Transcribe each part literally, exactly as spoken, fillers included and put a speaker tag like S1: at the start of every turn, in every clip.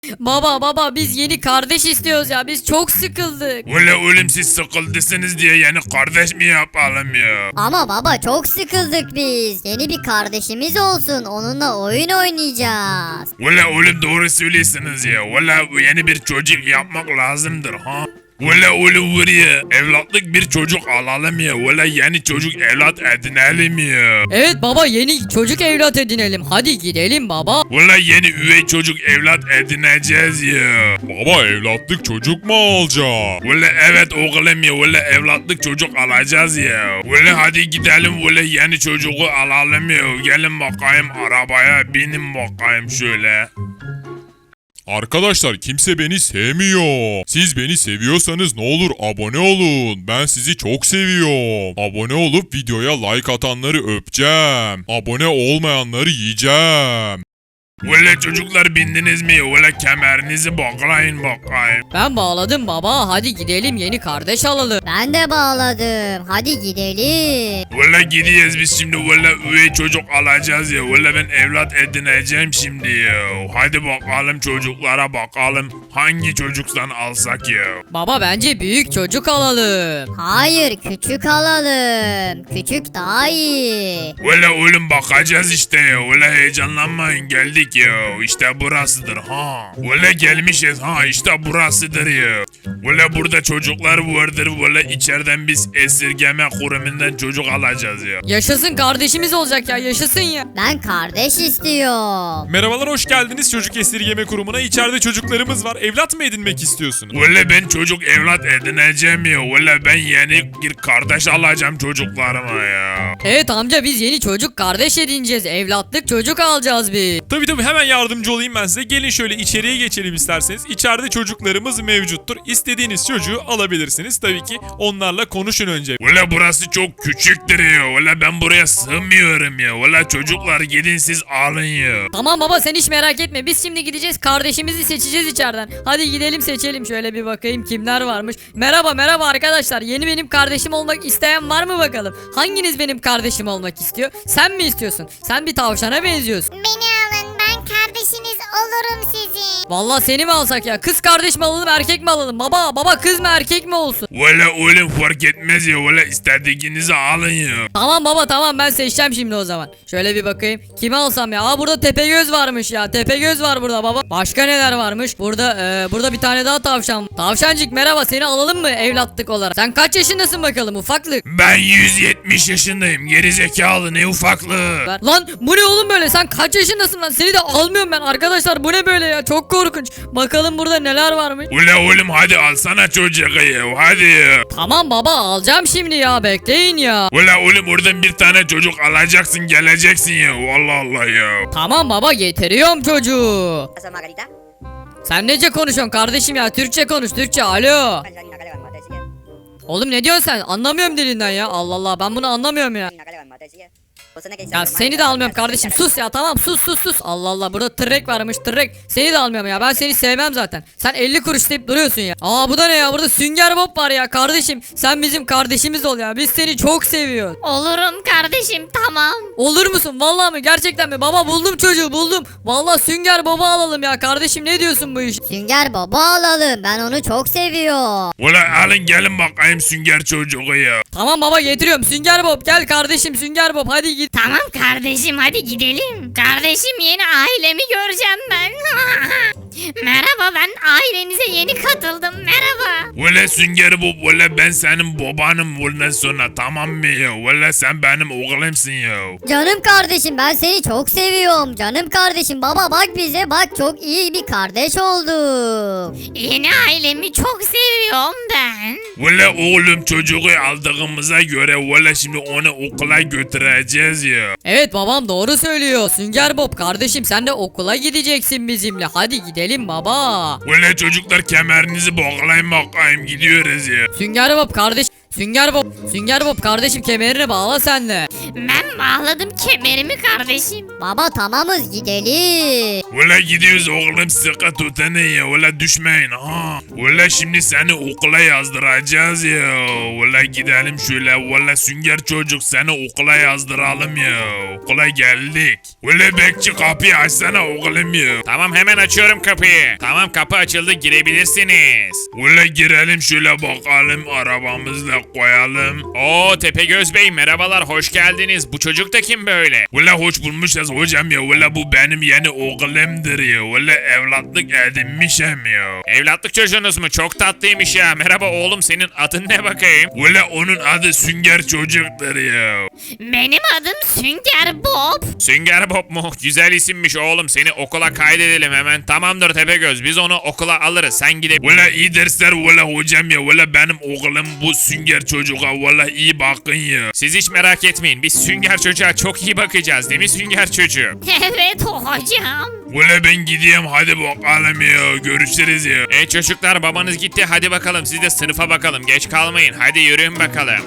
S1: Baba baba biz yeni kardeş istiyoruz ya, biz çok sıkıldık.
S2: Valla oğlum siz sıkıldısınız diye yani kardeş mi yapalım ya?
S3: Ama baba çok sıkıldık biz. Yeni bir kardeşimiz olsun. Onunla oyun oynayacağız.
S2: Valla oğlum doğru söylüyorsunuz ya. Valla yeni bir çocuk yapmak lazımdır ha. Valla oğlum buraya evlatlık bir çocuk alalım ya. Valla yeni çocuk evlat edinelim ya.
S1: Evet baba, yeni çocuk evlat edinelim. Hadi gidelim baba.
S2: Valla yeni üvey çocuk evlat edineceğiz ya.
S4: Baba evlatlık çocuk mu alacak?
S2: Valla evet oğlum ya. Valla evlatlık çocuk alacağız ya. Valla hadi gidelim valla yeni çocuğu alalım ya. Gelin bakayım arabaya binin bakayım şöyle.
S4: Arkadaşlar kimse beni sevmiyor. Siz beni seviyorsanız ne olur abone olun. Ben sizi çok seviyorum. Abone olup videoya like atanları öpeceğim. Abone olmayanları yiyeceğim.
S2: Valla çocuklar bindiniz mi? Valla kemerinizi bağlayın bakayım.
S1: Ben bağladım baba, hadi gidelim yeni kardeş alalım.
S3: Ben de bağladım. Hadi gidelim.
S2: Valla gidiyoruz biz şimdi valla üvey çocuk alacağız ya. Valla ben evlat edineceğim şimdi ya. Hadi bakalım çocuklara bakalım. Hangi çocuktan alsak ya?
S1: Baba bence büyük çocuk alalım.
S3: Hayır, küçük alalım. Küçük daha iyi.
S2: Valla oğlum bakacağız işte ya. Valla heyecanlanmayın geldik ya. İşte burasıdır ha. Valla gelmişiz ha işte burasıdır ya. Valla burada çocuklar vardır. Valla içeriden biz esirgeme kurumundan çocuk alacağız ya.
S1: Yaşasın, kardeşimiz olacak ya, yaşasın ya.
S3: Ben kardeş istiyorum.
S5: Merhabalar, hoş geldiniz Çocuk Esirgeme Kurumu'na. İçeride çocuklarımız var. Evlat mı edinmek istiyorsunuz?
S2: Valla ben çocuk evlat edineceğim ya. Valla ben yeni bir kardeş alacağım çocuklarıma ya.
S1: Evet amca, biz yeni çocuk kardeş edineceğiz. Evlatlık çocuk alacağız biz.
S5: Tabii tabii, hemen yardımcı olayım ben size. Gelin şöyle içeriye geçelim isterseniz. İçeride çocuklarımız mevcuttur. İstediğiniz çocuğu alabilirsiniz. Tabii ki onlarla konuşun önce.
S2: Valla burası çok küçüktür ya. Valla ben buraya sığmıyorum ya. Valla çocuklar gidin siz alın ya.
S1: Tamam baba, sen hiç merak etme. Biz şimdi gideceğiz, kardeşimizi seçeceğiz içeriden. Hadi gidelim seçelim. Şöyle bir bakayım kimler varmış. Merhaba merhaba arkadaşlar. Yeni benim kardeşim olmak isteyen var mı bakalım? Hanginiz benim kardeşim olmak istiyor? Sen mi istiyorsun? Sen bir tavşana benziyorsun.
S6: Beni alın, ben kardeşiniz olurum sizin.
S1: Vallahi seni mi alsak ya? Kız kardeş mi alalım, erkek mi alalım? Baba baba, kız mı erkek mi olsun?
S2: Valla oğlum fark etmez ya. Valla istediğinizi alın ya.
S1: Tamam baba tamam, ben seçeceğim şimdi o zaman. Şöyle bir bakayım. Kimi alsam ya? Aa, burada Tepegöz varmış ya. Tepegöz var burada baba. Başka neler varmış? Burada e, burada bir tane daha tavşan. Tavşancık merhaba, seni alalım mı evlatlık olarak? Sen kaç yaşındasın bakalım ufaklık?
S2: Ben yüz yetmiş yaşındayım. Geri zekalı ne ufaklığı.
S1: Ver. Lan bu ne oğlum böyle? Sen kaç yaşındasın lan? Seni de almıyorum ben arkadaşlar. Bu ne böyle ya? Çok korkunç. Bakalım burada neler varmış.
S2: Ula oğlum hadi alsana çocuğu ya. Hadi ya.
S1: Tamam baba, alacağım şimdi ya. Bekleyin ya.
S2: Ula oğlum oradan bir tane çocuk alacaksın geleceksin ya. Allah Allah ya.
S1: Tamam baba, getiriyorum çocuğu.
S7: Asa Margarita?
S1: Sen nece konuşuyorsun kardeşim ya? Türkçe konuş, Türkçe. Alo.
S7: Kalian nakalawan mo tayo sige.
S1: Oğlum ne diyorsun sen? Anlamıyorum dilinden ya. Allah Allah, ben bunu anlamıyorum ya.
S7: Nakalawan mo tayo sige. Basta na kayo
S1: Ya seni de almıyorum kardeşim. Sus ya, tamam sus sus sus. Allah Allah, burada tırrek varmış, tırrek. Seni de almıyorum ya. Ben seni sevmem zaten. Sen elli kuruş deyip duruyorsun ya. Aa bu da ne ya? Burada Sünger Bob var ya kardeşim. Sen bizim kardeşimiz ol ya. Biz seni çok seviyoruz.
S6: Olurum kardeşim, tamam.
S1: Olur musun? Vallahi mi? Gerçekten mi? Baba buldum çocuğu, buldum. Vallahi Sünger Bob'u alalım ya. Kardeşim ne diyorsun bu iş?
S3: Sünger Baba alalım. Ben onu çok seviyorum.
S2: Ula alın gelin bakayım sünger çocuğu ya.
S1: Tamam baba, getiriyorum. Sünger Bob gel kardeşim, Sünger Bob hadi git.
S6: Tamam kardeşim, hadi gidelim. Kardeşim, yeni ailemi göreceğim ben. Merhaba, ben ailenize yeni katıldım. Merhaba.
S2: Ula sünger bu. Ula ben senin babanım bundan sonra tamam mı ya? Ula sen benim oğlumsun ya.
S3: Canım kardeşim, ben seni çok seviyorum. Canım kardeşim, baba bak bize bak, çok iyi bir kardeş olduk.
S6: Yeni ailemi çok seviyorum ben.
S2: Ula oğlum çocuğu aldığımıza göre ula şimdi onu okula götüreceğiz ya.
S1: Evet babam doğru söylüyor. Sünger Bob kardeşim, sen de okula gideceksin bizimle. Hadi gidelim baba.
S2: Ula çocuklar kemerinizi bağlayın bakayım gidiyoruz ya.
S1: Sünger Bob kardeş. Sünger Bob. Sünger Bob kardeşim, kemerini bağla sen de.
S6: Ben bağladım kemerimi kardeşim.
S3: Baba tamamız, gidelim.
S2: Ula gidiyoruz oğlum sıkı tutun ya. Ula düşmeyin ha. Ula şimdi seni okula yazdıracağız ya. Ula gidelim şöyle. Ula sünger çocuk seni okula yazdıralım ya. Okula geldik. Ula bekçi kapıyı açsana oğlum ya.
S8: Tamam hemen açıyorum kapıyı. Tamam kapı açıldı girebilirsiniz.
S2: Ula girelim şöyle bakalım arabamızla koyalım.
S8: Oo Tepegöz Bey merhabalar hoş geldiniz. Bu çocuk da kim böyle?
S2: Ula hoş bulmuşuz hocam ya. Ula bu benim yeni oğlumdur ya. Ula evlatlık edinmişim ya.
S8: Evlatlık çocuğunuz mu? Çok tatlıymış ya. Merhaba oğlum senin adın ne bakayım?
S2: Ula onun adı Sünger çocuktur ya.
S6: Benim adım Sünger Bob.
S8: Sünger Bob mu? Güzel isimmiş oğlum. Seni okula kaydedelim hemen. Tamamdır Tepegöz. Biz onu okula alırız. Sen gidebilirsin.
S2: Ula iyi dersler ula hocam ya. Ula benim oğlum bu Sünger çocuğa. Ula iyi bakın ya.
S8: Siz hiç merak etmeyin. Biz Sünger çocuğa çok iyi bakacağız değil mi Sünger çocuğu?
S6: Evet hocam.
S2: Ula ben gideyim hadi bakalım ya. Görüşürüz ya.
S8: E çocuklar babanız gitti. Hadi bakalım siz de sınıfa bakalım. Geç kalmayın. Hadi yürüyün bakalım.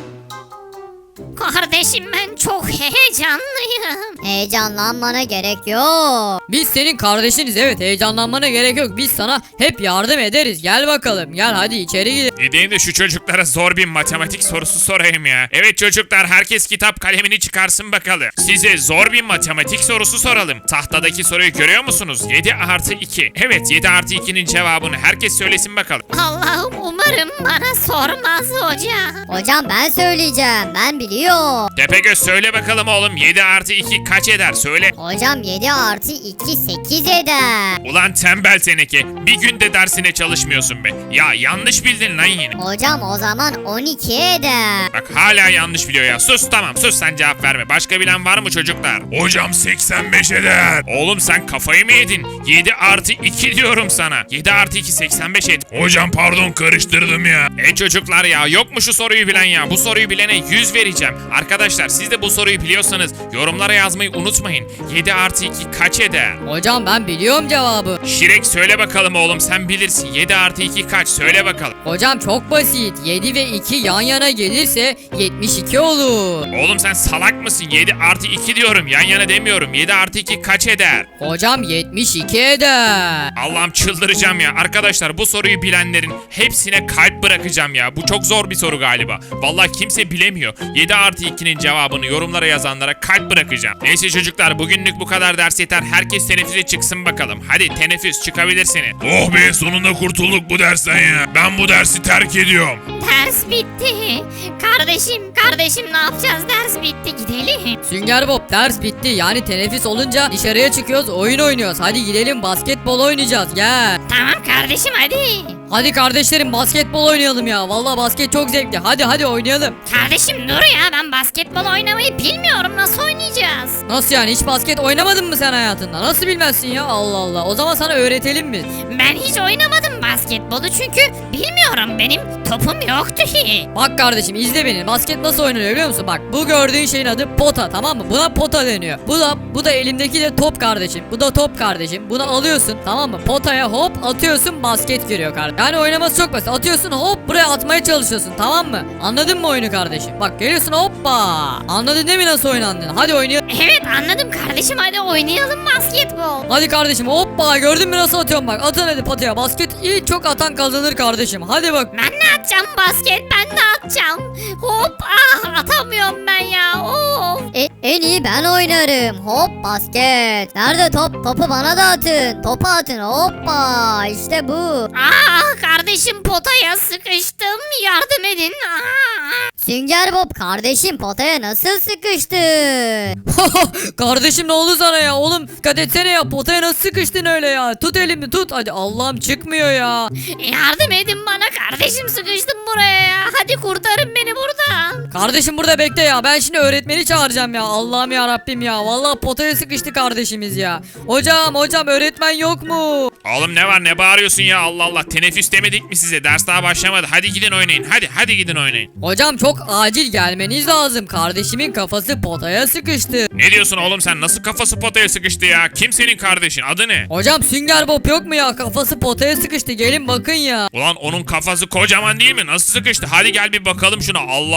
S6: Kardeşim ben çok heyecanlıyım.
S3: Heyecanlanmana gerek yok.
S1: Biz senin kardeşiniz, evet, heyecanlanmana gerek yok. Biz sana hep yardım ederiz. Gel bakalım, gel hadi içeri gidelim.
S8: Gideyim de şu çocuklara zor bir matematik sorusu sorayım ya. Evet çocuklar herkes kitap kalemini çıkarsın bakalım. Size zor bir matematik sorusu soralım. Tahtadaki soruyu görüyor musunuz? yedi artı iki. Evet yedi artı ikinin cevabını herkes söylesin bakalım.
S6: Allah'ım umarım bana sormaz hocam.
S3: Hocam ben söyleyeceğim. Ben biliyorum.
S8: Tepegöz söyle bakalım oğlum yedi artı iki kaç eder söyle.
S3: Hocam yedi artı iki sekiz eder.
S8: Ulan tembel teneke bir günde dersine çalışmıyorsun be. Ya yanlış bildin lan yine.
S3: Hocam o zaman on iki eder.
S8: Bak hala yanlış biliyor ya. Sus tamam sus sen cevap verme. Başka bilen var mı çocuklar?
S2: Hocam seksen beş eder.
S8: Oğlum sen kafayı mı yedin? yedi artı iki diyorum sana. yedi artı iki seksen beş et.
S2: Hocam pardon karıştırdım ya.
S8: E çocuklar ya yok mu şu soruyu bilen ya? Bu soruyu bilene yüz vereceğim. Arkadaşlar siz de bu soruyu biliyorsanız yorumlara yazmayı unutmayın. yedi artı iki kaç eder?
S1: Hocam ben biliyorum cevabı.
S8: Şirek söyle bakalım oğlum sen bilirsin. yedi artı iki kaç söyle bakalım.
S1: Hocam çok basit. yedi ve iki yan yana gelirse yetmiş iki olur.
S8: Oğlum sen salak mısın? yedi artı iki diyorum yan yana demiyorum. yedi artı iki kaç eder?
S1: Hocam yetmiş iki eder.
S8: Allah'ım çıldıracağım ya. Arkadaşlar bu soruyu bilenlerin hepsine kalp bırakacağım ya. Bu çok zor bir soru galiba. Vallahi kimse bilemiyor. yedi artı ikinin cevabını yorumlara yazanlara kalp bırakacağım. Neyse çocuklar bugünlük bu kadar ders yeter. Herkes teneffüse çıksın bakalım. Hadi teneffüs çıkabilirsiniz.
S2: Oh be sonunda kurtulduk bu dersten ya. Ben bu dersi terk ediyorum.
S6: Ders bitti. Kardeşim kardeşim ne yapacağız ders bitti gidelim.
S1: Sünger Bob ders bitti. Yani teneffüs olunca dışarıya çıkıyoruz, oyun oynuyoruz. Hadi gidelim basketbol oynayacağız. Gel.
S6: Tamam kardeşim hadi.
S1: Hadi kardeşlerim basketbol oynayalım ya. Vallahi basket çok zevkli. Hadi hadi oynayalım.
S6: Kardeşim dur ya ben basketbol oynamayı bilmiyorum nasıl oynayacağız?
S1: Nasıl yani, hiç basket oynamadın mı sen hayatında? Nasıl bilmezsin ya, Allah Allah. O zaman sana öğretelim biz.
S6: Ben hiç oynamadım basketbolu çünkü bilmiyorum benim topum yoktu ki.
S1: Bak kardeşim izle beni. Basket nasıl oynanıyor biliyor musun? Bak bu gördüğün şeyin adı pota, tamam mı? Buna pota deniyor. Bu da bu da elimdeki de top kardeşim. Bu da top kardeşim. Bunu alıyorsun, tamam mı? Potaya hop atıyorsun, basket giriyor kardeşim. Yani oynaması çok basit. Atıyorsun hop buraya atmaya çalışıyorsun, tamam mı? Anladın mı oyunu kardeşim? Bak geliyorsun hoppa. Anladın değil mi nasıl oynandığını? Hadi oynayalım.
S6: Evet anladım kardeşim hadi oynayalım basketbol.
S1: Hadi kardeşim hoppa, gördün mü nasıl atıyorum bak. Atın hadi potaya. Basket iyi, çok atan kazanır kardeşim. Hadi bak.
S6: Ben de atacağım basket ben de atacağım. Hop ah atamıyorum ben ya of.
S3: E, en iyi ben oynarım. Hop basket. Nerede top? Topu bana da atın. Topu atın. Hoppa. İşte bu.
S6: Ah kardeşim potaya sıkıştım yardım edin. Ah.
S3: Sünger Bob kardeşim potaya nasıl sıkıştın?
S1: Kardeşim ne oldu sana ya? Oğlum dikkat etsene ya. Potaya nasıl sıkıştın öyle ya? Tut elimi tut. Hadi Allah'ım çıkmıyor ya.
S6: Yardım edin bana kardeşim sıkıştım buraya ya. Hadi kurtarın beni buradan.
S1: Kardeşim burada bekle ya. Ben şimdi öğretmeni çağıracağım ya. Allah'ım ya Rabbim ya. Vallahi potaya sıkıştı kardeşimiz ya. Hocam hocam öğretmen yok mu?
S8: Oğlum ne var ne bağırıyorsun ya Allah Allah. Teneffüs demedik mi size? Ders daha başlamadı. Hadi gidin oynayın. Hadi hadi gidin oynayın.
S1: Hocam çok acil gelmeniz lazım. Kardeşimin kafası potaya sıkıştı.
S8: Ne diyorsun oğlum sen? Nasıl kafası potaya sıkıştı ya? Kim senin kardeşin? Adı ne?
S1: Hocam Sünger Bob yok mu ya? Kafası potaya sıkıştı. Gelin bakın ya.
S8: Ulan onun kafası kocaman değil mi? Nasıl sıkıştı? Hadi gel bir bakalım şuna. Allah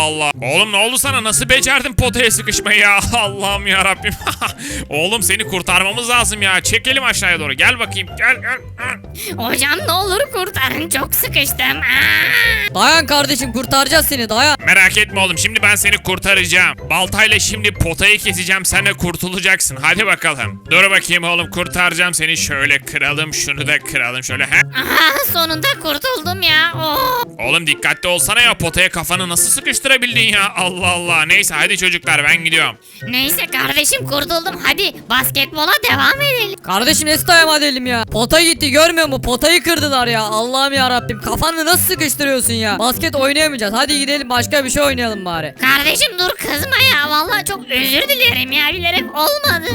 S8: Allah. Oğlum ne oldu sana? Nasıl becerdin potaya sıkışmayı ya? Allah'ım ya Rabbim. Oğlum seni kurtarmamız lazım ya. Çekelim aşağıya doğru. Gel bakayım. Gel gel.
S6: Hocam ne olur kurtarın, çok sıkıştım. Aa!
S1: Dayan kardeşim, kurtaracağız seni, dayan.
S8: Merak etme oğlum. Şimdi ben seni kurtaracağım. Baltayla şimdi potayı keseceğim. Sen de kurtulacaksın. Hadi bakalım. Dur bakayım oğlum. Kurtaracağım seni. Şöyle kıralım. Şunu da kıralım. Şöyle. He?
S6: Aha, sonunda kurtuldum ya. Oh.
S8: Oğlum dikkatli olsana ya. Potaya kafanı nasıl sıkıştırabildin ya? Allah Allah. Neyse hadi çocuklar ben gidiyorum.
S6: Neyse kardeşim, kurtuldum. Hadi basketbola devam edelim.
S1: Kardeşim nasıl devam edelim ya? Pota gitti, görmüyor musun? Potayı kırdılar ya. Allah'ım ya Rabbim, kafanı nasıl sıkıştırıyorsun ya? Basket oynayamayacağız. Hadi gidelim, başka bir şey oynayalım bari.
S6: Kardeşim dur, kızma ya. Vallahi çok özür dilerim ya, bilerek olmadı.